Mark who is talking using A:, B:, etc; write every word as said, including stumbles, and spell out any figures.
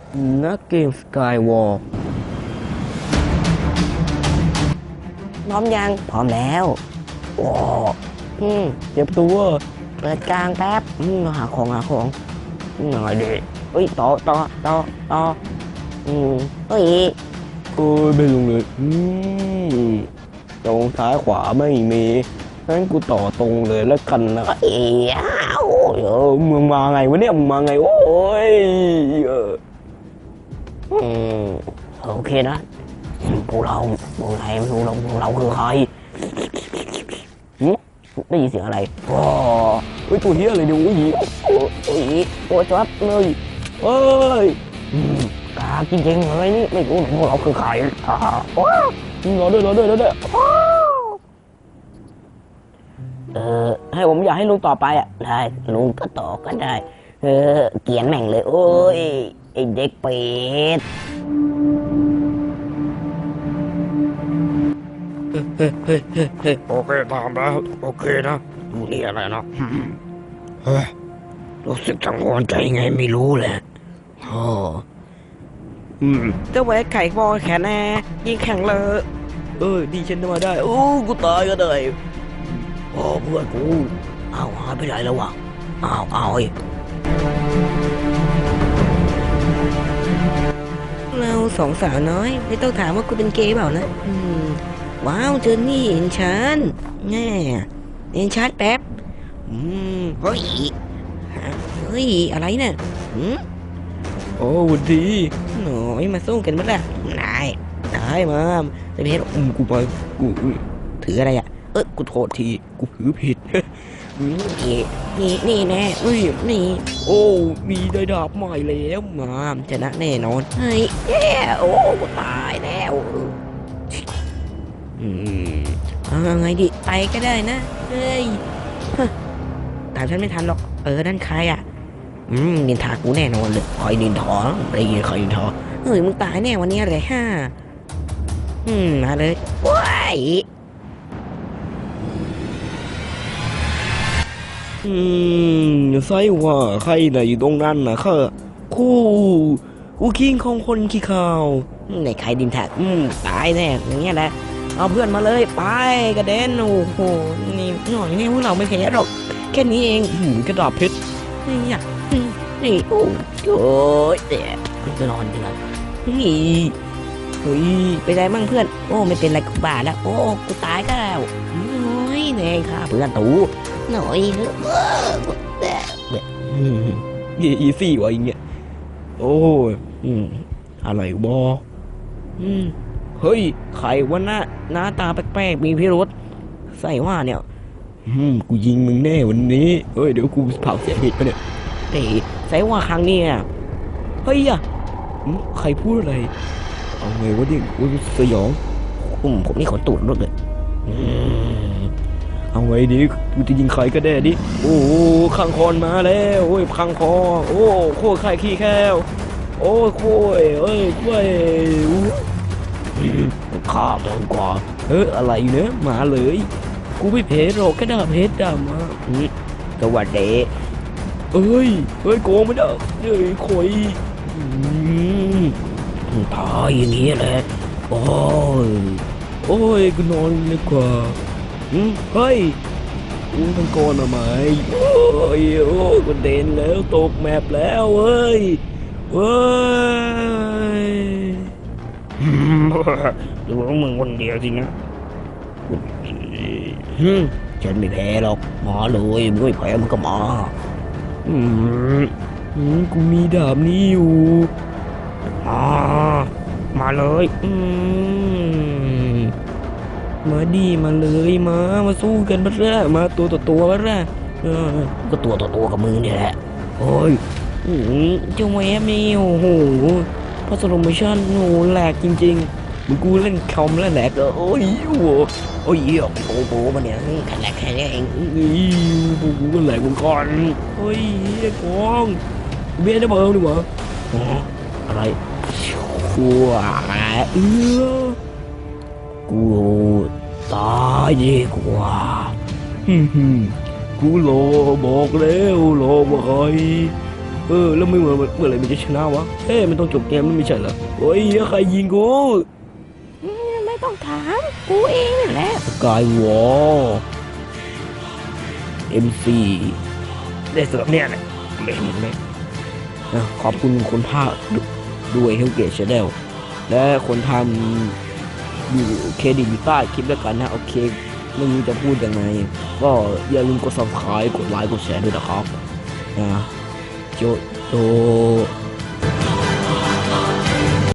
A: นักเกมสกายวอล์กพร้อมยังพร้อมแล้วโอ้อืมเจ็บตัวเปิดกลางแป๊บอืมหาของหาของหน่อยดิเฮ้ยต่อต่อต่อต่ออืมเฮ้ยโอ้ยไม่ลงเลยอืมตรงซ้ายขวาไม่มีงั้นกูต่อตรงเลยแล้วกันนะเอ้ยโอ้ยมึงมาไงวะเนี่ยมึงมาไงโอ้ยเอออืมโอเคนะพวกเราพวกไหนไม่รู้เราพวกเราคือใครได้ยินเสียงอะไรว้าเฮ้ยตัวเฮียอะไรเนี่ยโอ้ยโอ้ยโอ้ยจับเลยเฮ้ยกาจริงๆอะไรนี่ไม่รู้พวกเราคือใครว้ารอด้วยรอด้วยรอด้วยเออให้ผมอยากให้ลุงต่อไปอ่ะได้ลุงก็ต่อก็ได้เออเกียนแม่งเลยโอ้ยไอเด็กเป็ดเฮ้ยเฮ้ยเฮ้ยเฮ้ยโอเคตามแล้วโอเคนะมึงนี่อะไรนะเฮ้ยรู้สึกกังวลใจไงไม่รู้แหละโอ้อืมเจ้าแหวกไข่บอลแขนแน่ยิงแข่งเลยเออดีฉันมาได้โอ้กูตายก็ได้โอ้เพื่อนกูอ้าวหายไปไหนแล้ววะอ้าวอ้าวเราสองสาวน้อยไม่ต้องถามว่ากูเป็นเกย์เปล่านะอืมว้าวเจอนี่เห็นฉันแง่เห็นชัดแป๊บอืมเฮ้ยเฮ้ยอะไรเนี่ยอืมโอ้วันดีหน่อยมาสู้กันมั้ยล่ะนายนายมาจะไปเห็นอืมกูไปกูถืออะไรอ่ะเออกูโทษทีกูถือผิดนี่นี่นี่แน่เฮ้ยนี่โอ้มีได้ดาบใหม่แล้วมาชนะแน่นอนเฮ้ยแย่โอ้ตายแล้วอืมเอาไงดิไปก็ได้นะเฮ้ยตามฉันไม่ทันหรอกเออนั่นใครอ่ะอืมนินทากูแน่นอนเลยคอยนินทอได้ยินคอยนินทอเฮ้ยมึงตายแน่วันนี้เลยฮ่าอืมมาเลยว้ายอืมไซว่าใครน่ะอยู่ตรงนั้นน่ะค่ะคู่คู่คิงของคนขี้ข่าวในใครดินแท็กอืมตายแน่อย่างเงี้ยแหละเอาเพื่อนมาเลยไปกระเด็นโอ้โหนี่หน่อยนี่พวกเราไม่แพ้หรอกแค่นี้เองหืมกระดาษเพชรนี่อยากนี่โอ้ยเดี๋ยวจะนอนยังไงนี่เฮ้ยไปได้มั่งเพื่อนโอ้ไม่เป็นไรกูบาดแล้วโอ้กูตายก็แล้วโอ้ยแน่ค่ะเพื่อนตูหน่อยยี่อีสี่วะอย่างเงี้ยโอ้ยอืมอะไรบออืมเฮ้ยใครวะหน้าหน้าตาแปลกๆมีพิรุษใส่ว่าเนี่ยอืมกูยิงมึงแน่วันนี้เฮ้ยเดี๋ยวกูเผาเสียผิดไปเนี่ยเฮ้ยใส่ว่าครั้งนี้อ่ะเฮ้ยอ่ะใครพูดอะไรเอาไงวะดิกูสยองอืมผมนี่ขนตูดรถเลยอืมเอาไงดิกูจะยิงใครก็ได้ดิโอ้ข้างคอนมาแล้วโอ้ยข้างคอโอ้โคตรใครขี้แค้วโอ้โค้ยเอ้ยกล้วยข้าเดินกว่าเฮ้ยอะไรเนื้อมาเลยกูไม่เพชรหรอกแค่ดาเพชรดามาสวัสดีเอ้ยเฮ้ยโกงไม่ได้เฮ้ยคอยตายอย่างนี้แหละโอ้ยโอ้ยกูนอนดีกว่าเฮ้ยกูต้องโกนทำไมโอ้ยโอ้ยกูเด่นแล้วตกแมปแล้วเฮ้ยเฮ้ยดูว่ามึงคนเดียวจริงนะฉันไม่แพ้หรอกมาเลยมึงไม่แพ้มึงก็มาอืมกูมีดาบนี้อยู่มามาเลยอืมมาดีมาเลยมามาสู้กันบ้างมาตัวต่อตัวบ้างเออก็ตัวต่อตัวกับมึงนี่แหละโอ้ยเจ้าแม่นี่โอ้โหพอสโลโมชั่นโอ้แหลกจริงๆมึงกูเล่นคอมแล้วแหลกโอ้ยโอ้โอ้ยโอ้โหมันเนี่ยแค่แหลกแค่นี้เองนี่กูกูก็แหลกมึงก่อนโอ้ยไอ้กองเบี้ยได้เบอร์ดีกว่าอะไรชั่วเออกูตายดีกว่าฮึ่มกูรอบอกแล้วรอบอกใครเออแล้วไม่เมื่อเมื่อไหรมันจะชนะวะเฮ้ยมันต้องจบเกมแล้วไม่ใช่เหรอโอ้ยใครยิงกู
B: อืมไม่ต้องถามกูเองนั่นแหละ
A: สกายวอลเอ็มซีได้สำหรับเนี่ยแหละไม่เห็นไหมนะขอบคุณคนภาคด้วยเฮลเกตชาแนลและคนทำอยู่เครดิตอยู่ใต้คลิปแล้วกันนะโอเคไม่รู้จะพูดยังไงก็อย่าลืมกด ซับสไครบ์ กดไลค์กดแชร์ด้วยนะครับนะโจโจ